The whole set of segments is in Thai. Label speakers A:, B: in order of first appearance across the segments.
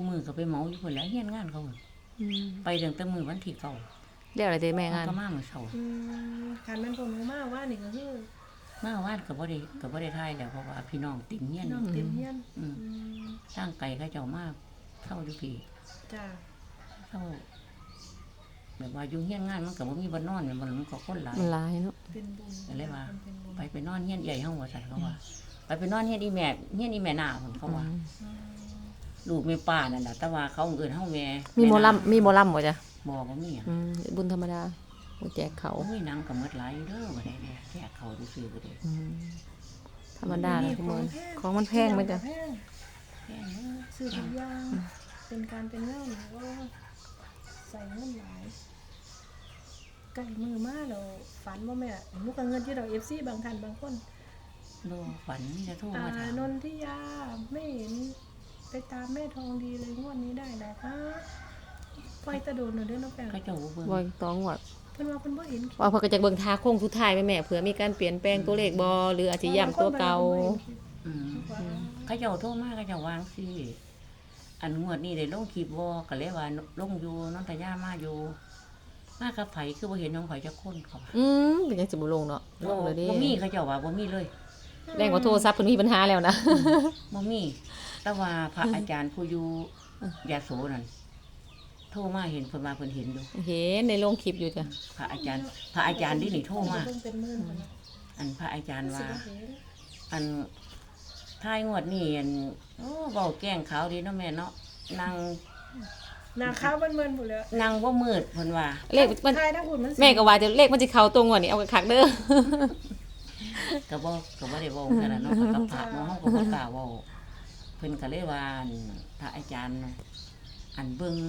A: มือก็ไปเหมาอยู่พุ่นแหล้วเฮียนงานเขาไปตั้งแต่มื้อวันที่เก้า
B: แล้วอะไรเด้แม่งาน
A: ก็มามื้อเช้า
C: คันแม่นพวกหนูมาว่านี่ก็คือ
A: มาวาดก็บ่ได้ถ่ายแล้วเพราะว่าพี่น้องติ่งเฮียน
C: น้องเต็มเฮียน
A: ทางไกลเขาเจ้ามาเช่าอยู่พี่
C: จ้า
A: เช่าแบบว่าอยู่เฮียนงานมันก็บ่มีบ่นอนมันก็คนหลาย
B: เนาะ
C: เป็นบุญ
A: ก็เลยว่าไปนอนเฮียนใหญ่เฮาว่าซั่นเขาว่าไปนอนเฮียนอีแม่หน้าเพิ่นเขาว่าลูกแม่ป้านั่นล่ะแต่ว่าเขาเอิ้นเฮาแม่
B: มีหมอลำบ่จ้ะ
A: บ่มีอ่ะ
B: บุญธรรมดาบ่แจกเขา
A: มีหนังก็หมดหลายอยู่เด้อบ่ได้แจกเขาซื่อๆบ่ได้
B: ธรรมดาเลยทุกมื้อของมันแพงมั้ยจ้ะ
C: แพงซื้อทุกอย่างเป็นการเป็นงานว่าใส่เงินหลายใกล้มือมาแล้วฝันบ่แม่หนูก็เงินที่ดอก FC บางท่านบางคน
A: บ่ฝันจะโทรมาถาม
C: นนทิยาไม่เห็นไปตามแม่ทองดีเลยงวดนี้ได้แล้วคะปล่อยตะโดนเด้อน้องแป้ง
A: เขาเจ้าเบิ่ง
B: บ่ต้องงวด
C: เพิ่นว่าเพิ่นบ่เห็น
B: ว่าเพิ่นก็จะเบิ่งทาโค้งสุดท้ายแม่เผื่อมีการเปลี่ยนแปลงตัวเลขบ่หรืออาจสิย้ำตัวเก่า
A: เขาเจ้าโทรมาเขาเจ้าวางสิอันงวดนี้ได้ลงคลิปบ่ก็เลยว่าลงอยู่นนทยามาอยู่มากับไผคือบ่เห็นน้องไผจักคนเขา
B: เป็นจังสิบ่ลงเนาะลงเลยเด้
A: บ่มีเขาเจ้าว่าบ่มีเลย
B: แรงกว่าโทรศัพท์เพิ่นมีปัญหาแล้วนะ
A: บ่มีแต่ว่าพระอาจารย์ผู้อยู่ยโสนั่นโทรมาเห็นเพิ่นว่าเพิ่นเห็นอยู่
B: เห็นในโรงคลิปอยู่จ้ะ
A: พระอาจารย์นี่โทรมาอันพระอาจารย์ว่าอันท้ายงวดนี้อันเว้าแกล้งขาวดีเนาะแม่เนาะนาง
C: ขาวเบิ่นๆพุ่นแล้ว
A: นางบ่มืดเพิ่นว่า
B: เลขมันแม่ก็ว่าจะเลขมันสิเข้าตรงงวดนี้เอาคักเด้อ
A: ก็บ่ได้เว้าขนาดนั้นเนาะกับพระเนาะเฮาก็บ่กล้าเว้าเพิ่นก็เลยว่าพระอาจารย์อันเบิ่ง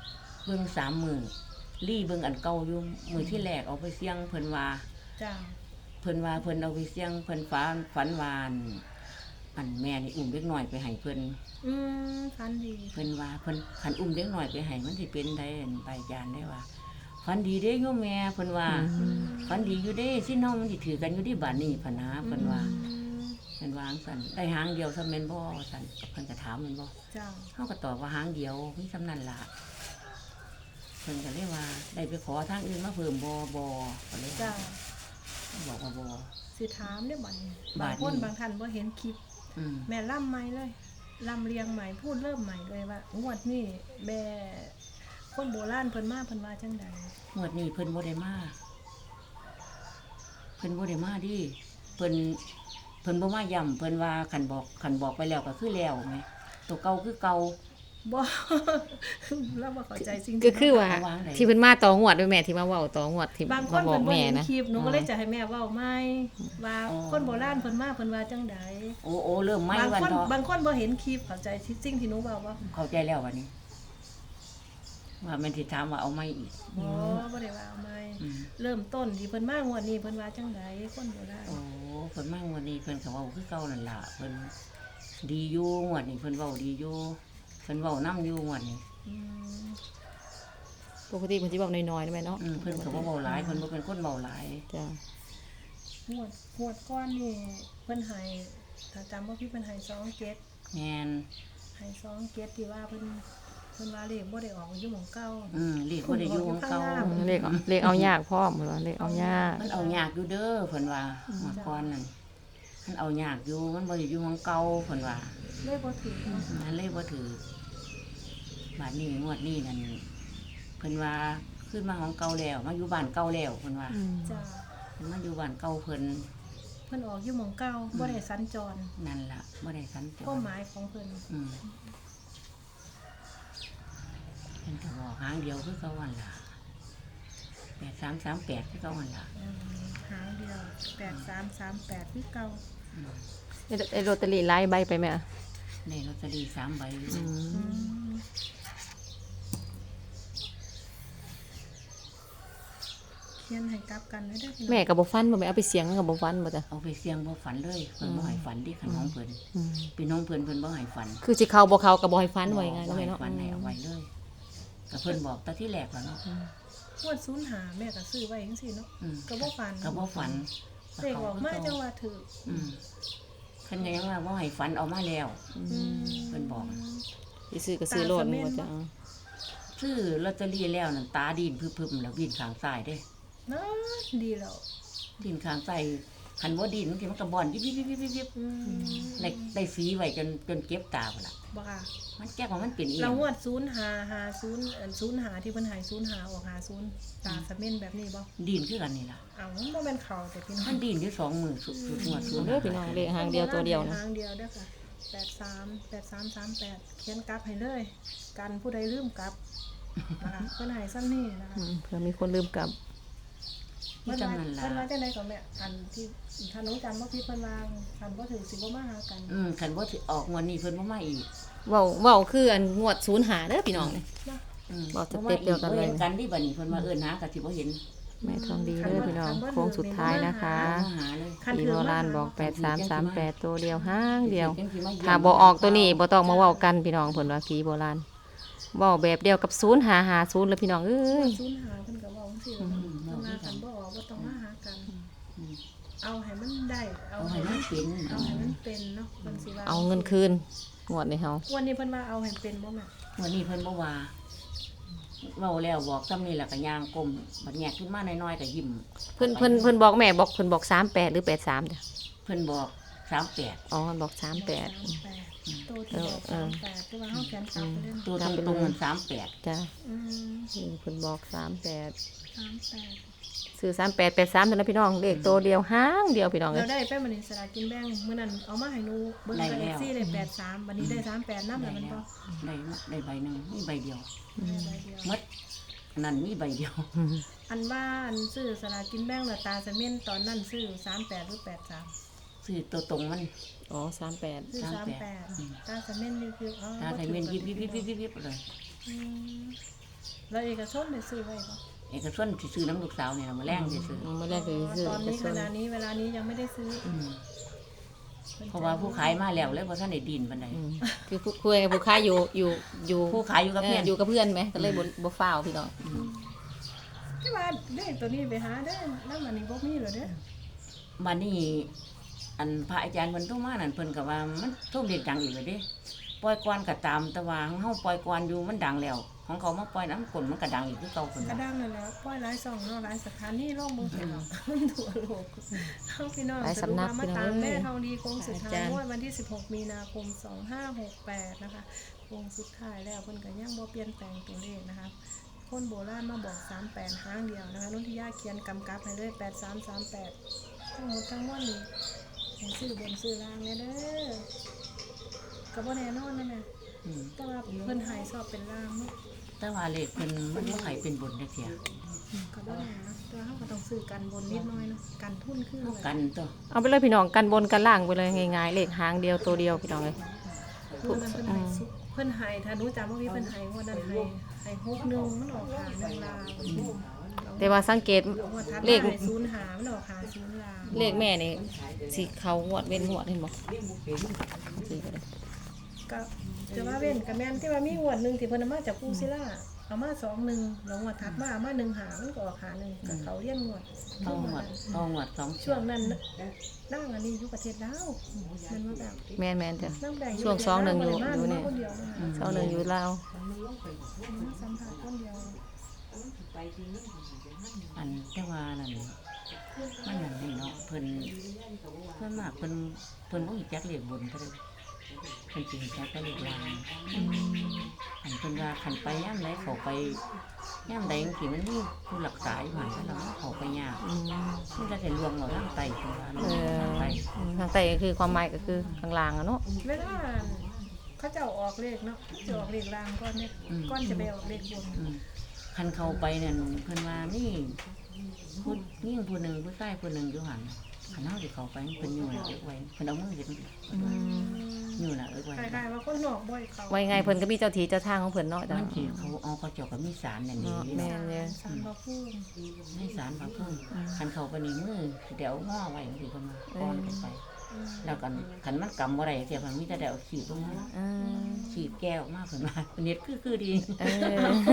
A: 3 มื้อลี่เบิ่งอันเก่าอยู่มื้อที่แรกเอาไปเสี่ยงเพิ่นว่า
C: จ้า
A: เพิ่นว่าเพิ่นเอาไปเสี่ยงเพิ่นฝันวานอันแม่นี่อุ้มเด็กน้อยไปให้เพิ่น
C: ฝันดี
A: เพิ่นว่าเพิ่นคันอุ้มเด็กน้อยไปให้มันสิเป็นได้ใบจานได้ว่าฝันดีเด้โยมแม่เพิ่นว่าฝันดีอยู่เด้สิน้องมันสิถือกันอยู่ที่บ้านนี้พะนะเพิ่นว่าเพิ่นวางสั่นได้หางเดียวซะแม่นบ่สั่นเพิ่นก็ถามแม่นบ่
C: จ้า
A: เฮาก็ตอบว่าหางเดียวมีสำนั้นล่ะเพิ่นก็เลยว่าได้ไปขอทางอื่นมาเพิ่มบ่ก็เลย
C: จ้า
A: บอกว่าบ่
C: สิถามได้บัดนี้บางคนบางท่านบ่เห็นคลิปแม่ล่ำใหม่เลยล่ำเรียงใหม่พูดเริ่มใหม่เลยว่างวดนี้แม่คนโบราณเพิ่นมาเพิ่นว่าจังใด
A: งวดนี้เพิ่นบ่ได้มาดิเพิ่นบ่มาย้ำเพิ่นว่าคันบอกไปแล้วก็คือแล้วแหมตัวเก่าคือเก่า
C: บ่แล้วบ่เข้าใจสิ่ง
B: ก็คือว่าที่เพิ่นมาต่องวดด้วยแม่ที่มาเว้าต่องวดที่
C: บางคนบอกแม่นะคลิปหนูก็เลยจะให้แม่เว้าใหม่ว่าคนโบราณเพิ่นมาเพิ่นว่าจังใด
A: โอ้เริ่มใหม่
C: วันเนาะบางคนบ่เห็นคลิปเข้าใจสิ่งที่หนูเว้าบ่
A: เข้าใจแล้ววันนี้ว่าแม่นสิถามว่าเอาใหม่อีก
C: บ่ได้ว่าเอาใหม่เริ่มต้นที่เพิ่นมางวดนี้เพิ่นว่าจังใดคนโบราณ
A: เพิ่นมางวดนี้เพิ่นก็เว้าคือเก่านั่นล่ะเพิ่นดีอยู่งวดนี้เพิ่นเว้าดีอยู่เพิ่นเว้านำอยู่งวดนี้
B: ปกติเพิ่นสิเว้าน้อยๆนะแม่เนาะ
A: เพิ่นก็บ่เว้าหลายเพิ่นบ่เป็นคนเว้าหลาย
B: จ้ะ
C: งวดก่อนนี่เพิ่นให้ถ้าจำบ่ผิดเพิ่นให้27
A: แม่น
C: ให้27ที่ว่าเพิ่นว่าเลขบ่ได้ออกอยู่หม้องเก่า
A: เลขบ่ได้อยู่หม้องเก่า
B: เลขเอายากพร้อมเพิ่นว่าเลขเอายาก
A: มันเอายากอยู่เด้อเพิ่นว่าเมื่อก่อนนั่นมันเอายากอยู่มันบ่ได้อยู่หม้องเก่าเพิ่นว่า
C: เลขบ่ถูก
A: มันเลขบ่ถูกบาดนี้งวดนี้นั่นเพิ่นว่าขึ้นมาของเก่าแล้วมาอยู่บ้านเก่าแล้วเพิ่นว่า
C: จ้ะ
A: มาอยู่บ้านเก่าเพิ่น
C: ออกอยู่หม้องเก่าบ่ได้สัญจร
A: นั่นล่ะบ่ได้สัญจร
C: ความหมายของเพิ่น
A: เพิ่นก็บอกหางเดียวคือเก่าหั่นล่ะ8338คือเก่าหั่นล่ะ
C: หางเดียว8338คือเก่า
B: ไอ้ลอตเตอรี่หลายใบไปแม่
A: ในลอตเตอรี่3ใบ
C: เขียนให้กลับกันได้เด้อ
B: แม่ก็บ่ฟันบ่แม่เอาไปเสี่ยงก็บ่ฟันบ่จ้ะ
A: เอาไปเสี่ยงบ่ฝันเลยเพิ่นบ่ให้ฝันดิคันน้องเพิ่นพี่น้องเพิ่นบ่ให้ฝัน
B: คือสิเข้าบ่เข้าก็บ่ให้ฝันไว้ไง
A: เนาะแม่เนาะฝันให้เอาไว้เลยก็เพิ่นบอกแต่ที่แรกแล้วเนาะ
C: งวด05แม่ก็ซื้อไว้จังซี่เนาะก็บ่ฝันเลขออกมาจังว่าถูก
A: เพิ่นก็ยังว่าบ่ให้ฝันเอามาแล้วเพิ่นบอก
B: สิซื้อก็ซื้อโลดนี่ว่าจะเอา
A: ซื้อลอตเตอรี่แล้วนั่นตาดินพึบๆแล้วดินข้างซ้ายเด้
C: เนาะดีแล้ว
A: ดินข้างซ้ายคันบ่ดินบางทีมันก็บ่อนยิบๆๆ
C: อืม
A: ๆได้สีไว้จนเก็บตาพุ่นล่ะ
C: บ่ค่ะ
A: มันแก้ว่ามันเป็นอีห
C: เรา
A: ยัง
C: งวด0550 05ที่เพิ่นให้05ออก50ตาสะเม็นแบบนี้บ่
A: ดินคือกันนี่ล่ะ
C: เอามันบ่แม่นเขาแต่พี่น้อง
A: มันดินอยู่2มื้อสุดงวดสุด
B: เด้อพี่น้องเลขหางเดียวตัวเดียวนะ
C: หางเดียวเด้อค่ะ8338เขียนกลับให้เลย กันผู้ใดลืมกลับนะคะเพิ่นให้ซ้ำนี่นะคะ
B: เผื่อมีคนลืมกลับ
C: เพิ่น
A: จัง
C: ว่า
A: นั้นล่ะ
C: เพิ่นว่าจังไดก็แม่อันที่ถ้าน้องจำบ่ผิดเพิ่นว่าอันบ่ถึงสิบ่มาหากัน
A: คันบ่สิออกงวดนี้เพิ่นบ่มาอีก
B: เว้าคืออันงวด05เด้อพี่น้องนี่
C: เนาะ
B: บอกสเต็ปเดียวกันเลย
A: บ่ห็กันที่บัดนี้เพิ่นมาเอิ้นหาก็สิบ่เห็น
B: แม่ทองดีเด้อพี่น้องโค้งสุดท้ายนะคะ
A: มาหาเลย
C: คัน
B: พี่
C: ถื
B: โบ
C: อ
B: รา
C: มา
B: ณบอก8338ตัวเดียวห้างเดียว
A: จังสิมาเยี่ยม
B: ถ้าบ่ออกตัวนี้บ่ต้องมาเว้ากันพี่น้องเพิ่นว่าผีโบราณเว้าแบบเดียวกับ0550แล้วพี่น้องเอ้ย
C: ศูนย์หาเพิ่นก็เว้าจังซี่ล่ะเพิ่นว่าคันบ่ออกบ่ต้องมาหากัน
A: อืม
C: เอาให้มันได้เอา
A: เอา
C: ให้
A: ให้
C: มั
A: มัน นเป็น
C: เอาให้มันเป็นเนาะเพิ่นสิว่า
B: เอาเงินคืนงวดนี้เฮา
C: วันนี้เพิ่นว่าเอาให้เป็นบ่แม่
A: วันนี้เพิ่นบ่ว่าเว้าแล้วบอกซ้ำนี่ล่ะก็ย่างก้มบัดแงกขึ้นมาน้อยๆก็ยิ้ม
B: เพิ่นบอกแม่บอกเพิ่นบอก38หรือ83จ้ะ
A: เพิ่นบอก38
B: อ๋อเพิ่นบอก38
C: 38ตัวที่บอก38ที่ว่าเฮาเขียนกลับไปเล่น
A: ตัวตรงๆมัน38
B: จ้ะ
C: อืม
B: เพิ่นบอก38
C: 38
B: ซื้อ3883เท่านั้นพี่น้องเลขตัวเดียวห้างเดียวพี่น้องเอ้
C: เรา
B: ย
C: ได้ไปมื้อนี้สลากกินแบ่งมื้อนั้นเอามาให้หนูเบิ่งกับ FC ได้83บัดนี้ได้38นำแล้วมันบ่
A: ได้ใบหนึงมีใบเดียว
C: ได้ใบเดียว
A: หมดอันนั้นมีใบเดียว
C: อันว่าอันซื้อสลากกินแบ่งแล้วตาสะเม็นตอนนั้นซื้อ38หรือ83
A: ซื้อตัวตรงมัน
B: อ๋อ38
C: ซื้อ38ตาสะเม็นนี่คืออ๋อ
A: ถ้าใส่เม่นยิบๆๆๆเลย
C: อืมแล้วเอกชนได้ซื้อไว้บ่
A: เอกชนสิซื้อน้ำลูกสาวเนี่ยมาแรงสิซื้อ
B: มื้อแรกก็ซื้อ
C: ตอนนี้เวลานี้ยังไม่ได้ซื้อ
A: เพราะว่าผู้ขายมาแล้วเลยบ่ทันได้ดินปานใด
B: คือผู้คุยกับผู้ค้าอยู่
A: ผู้ขายอยู่กับเพื่อน
B: อยู่กับเพื่อนไหมก็เลยบ่ฟ้าวพี่น้อง
C: ที่ว่าได้ตัวนี้ไปหาได้แล้วมันนี่บ่มีเหรอเด้อ
A: บัดนี้อันพระอาจารย์เพิ่นโทรมานั่นเพิ่นก็ว่ามันโทรเรียกดังอีกเลยเด้ปล่อยก่อนก็ตามแต่ว่าของเฮาปล่อยก่อนอยู่มันดังแล้ว ของเขามาปล่อยน้ำกลนมันก็ดังอีกคือเก่าเพิ่น
C: กระ
A: ว่า
C: ดังนั่นแหละปล่อยหลายช่องเนาะหลายสถานีลงบ่เป็นทั่วโลกเฮาพี่น้อง
B: หลายสำนัก
C: มา
B: พี่น้อง
C: ตามแม่
B: เอ้ย
C: ทองดีโค้งสุดท้า
B: อาย จารย์
C: งวดวันที่16มีนาคม2568นะคะโค้งสุดท้ายแล้วเพิ่นก็ยังบ่เปลี่ยนแปลงตัวเลขนะคะคนโบราณมาบอก38ครั้งเดียวนะคะนนทิยาเขียนกำกับให้เลย8338ทั้งหมดทั้งมวลนี่ให้ซื้อบนซื้อล่างแน่เด้อก็บ่แน่นอนนะแม่
A: อืม
C: แต่ว่าเพิ่นใหายสอบเป็นล่างเนาะ
A: แต่ว่าเลขเพิ่นมันบ่ให้เป็นบนจักเที่ย
C: ก็บ่แน่นะแต่ว่าเราก็ต้องซื้อกันบนนิดหน้อยเนาะกันทุนขึ้น
A: เฮา
C: เลย
A: กันตัว
B: เอาไปเลยพี่น้องกันบนกันล่างไปเลยง่ายๆเลขหางเดียวตัวเดียวพี่น้องเลย
C: เพิ่นนั้นเพิ่นใหายสุเพิ่นใหายถ้าหนูจำว่ามีเพิ่นใหายงวดนั้นใหาย61มันออกหา1ลาว
B: แต่ว่าสังเกต
C: งวดถัด
B: เล
C: มา
B: ข
C: ให้0หามันออกหา0ลาว
B: เลขแม่นี่สิเขางวดเว้นงวดเห็นบ่สิก็ได้
C: ก็จะว่าเว้นก็แม่นที่ว่ามีงวดหนึงที่เพิ่นเอามาจากปูศิลาเอามา21แล้วงวดถัดมาเอามา1หามันก็ออกหา1ก็เขาเรียนงวด
A: เอาหมด2
C: ช่วงนั้นนั่งอันนี้อยู่ประเทศลาวมันว่าแบบ
B: แม่นๆจ้ะ
C: นั่งแบ่ง
B: ช่วง2 1อยู่นี่
C: คนเดียวนะคะ
B: 2 1อยู่ลาว
C: สัมผัสคนเดียว
A: อันแต่ว่านั่นมันนั่นนี่เนาะเพิ่นมากเพิ่นบ่รู้จักเลขบนเท่าใดเพิ่นสิรู้จักแต่เลขล่าง อันเพิ่นว่าคันไปย่ำใดเขาไปย่ำใดจังซี่มันมีผู้รักษาอยู่หั่นแล้วเราเขาไปยากมันก็จะลวงเราทางไตเพิ่นว่าเนาะทางไต
B: ทางใต้ก็คือความหมายก็คือข้างล่างอะเนาะ
C: เวลาเขาจะเอาออกเลขเนาะจะออกเลขล่างก่อนเนี่ยก่อนจะไปออกเลขบน
A: คันเขาไปนั่นเพิ่นว่ามีผู้ยิ่งผู้หนึงผู้ชายผู้หนึงอยู่หั่นคันเฮาสิเข้าไปเพิ่นอยู่น่ะเอิ้นไว้เพิ่นเอามือเฮ็ดอยู่น่ะเอิ้นไว้
C: คล้ายๆว่าคนนอกบ่อยเขา
B: ไว้ไงเพิ่นก็มีเจ้าที่เจ้าทางของเพิ่นเนาะจ้ะ
A: มันสิเขาเอาเขาเจ้าก็มีสารนั่นนี่
B: แม่นเลย
C: สารพระภูมิ
A: ให้สารพระภูมิคันเขาไปนี่มือเดี๋ยวง้อไว้จังซี่เพิ่นว่าป้อนขึ้นไป แล้วกันคันมันกำบ่ได้เสียมันมีแต่เดี๋ยวขีดลงมา
B: อ่า
A: ขีดแก้วมากเพิ่นว่าเน็ตคือดี
B: เออ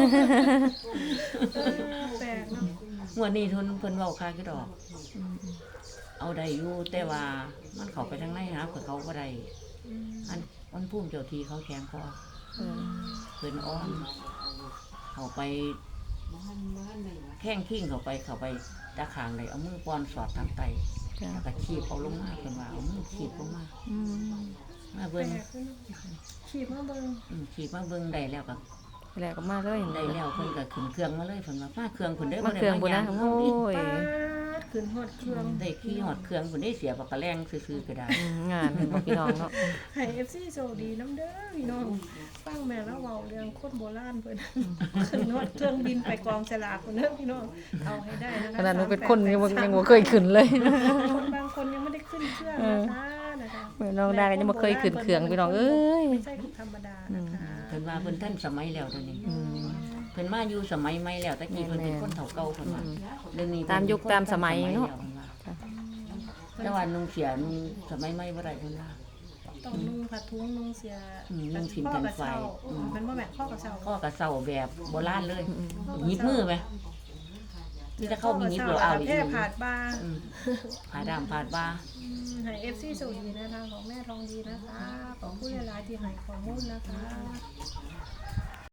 C: แปลกเนาะ
A: งวดนี้ทุนเพิ่นเว้าค่าคือดอก เอาได้อยู่แต่ว่ามันเข้าไปทางในหาเพิ่นเขาบ่ได้
C: อืม
A: อันมันภูมิเจ้าที่เขาแข็งคอเพิ่นอ้อมเข้าไปแข้งขิ้งเข้าไปตาขางเลยเอามือป้อนสอดทางไต
B: จ้ะ
A: แล้วก็ขีบเอาลงมาเพิ่นว่าเอามือขีบลงมา
B: อืม
A: มา
C: แปล
A: เบิ่ง
C: กขึ้นขีบมาเบิ่ง
A: ขีบมาเบิ่งได้แล้วก็
B: แล้วก็มาเลย
A: ได้แล้วเพิ่นก็ขึ้นเครื่องมาเลยเพิ่นว่ามาเครื่องเพิ่นเด้อ
B: มาเครื่องบุญนะ
A: บ่ได้มา
B: โอ้
A: ย่าง
B: ย
C: ปาดขึ้นฮอดเครื่อง
A: ได้ขี่ฮอดเครื่องเพิ่นได้เสียปากกะแรงซื่อๆก็ได้
B: งานเป็นบ่พี่น้องเนาะ
C: ให้ FC โชคดีน้ำเด้อพี่น้องฟังแม่แล้วเว้าเรื่องคนโบราณเพิ่นขึ้นฮอดเครื่องบินไปกองฉลากพุ่นเด้อพี่น้องเอาให้ได้นะคะ
B: ขนาดหนูเป็นคนยังบ่เคยขึ้นเลย
C: คนบางคนยังไม่ได้ขึ้นเครื่องนะคะ
B: แม่น้องดาก็ยังบ่เคยขึ้นเครื่องพี่น้องเอ้ย
C: ไม่ใช่ธรรมดานะคะ
A: เพิ่นว่าเพิ่นทันสมัยแล้วเดี๋ยวนี้
B: อืม
A: เพิ่นมาอยู่สมัยใหม่แล้วตะกี้เพิ่นเป็นคนเฒ่าเก่าเพิ่นว่าเรื่องนี้
B: ตามยุคตามสมัยเนาะ
A: แต่ว่านุ่งเสียนุ่งสมัยใหม่บ่ได้เพิ่นว่า
C: ต้องนุ่งผ้าทุงนุ่งเสีย
A: นุ่งสินกันไฟ
C: เป็นว่าแบบข้อกระเช้า
A: ข้อกระเซาแบบโบราณเลยหยิบมือไหมนี่จะเข้ามีหยิบหรือเอาอีก
C: แค่ผาดบา
A: ผ่าดำผ่าดบ้า
C: ให้ FC สวัสดีนะคะของแม่ทองดีนะคะขอบคุณหลายๆที่ให้ข้อมูลนะคะ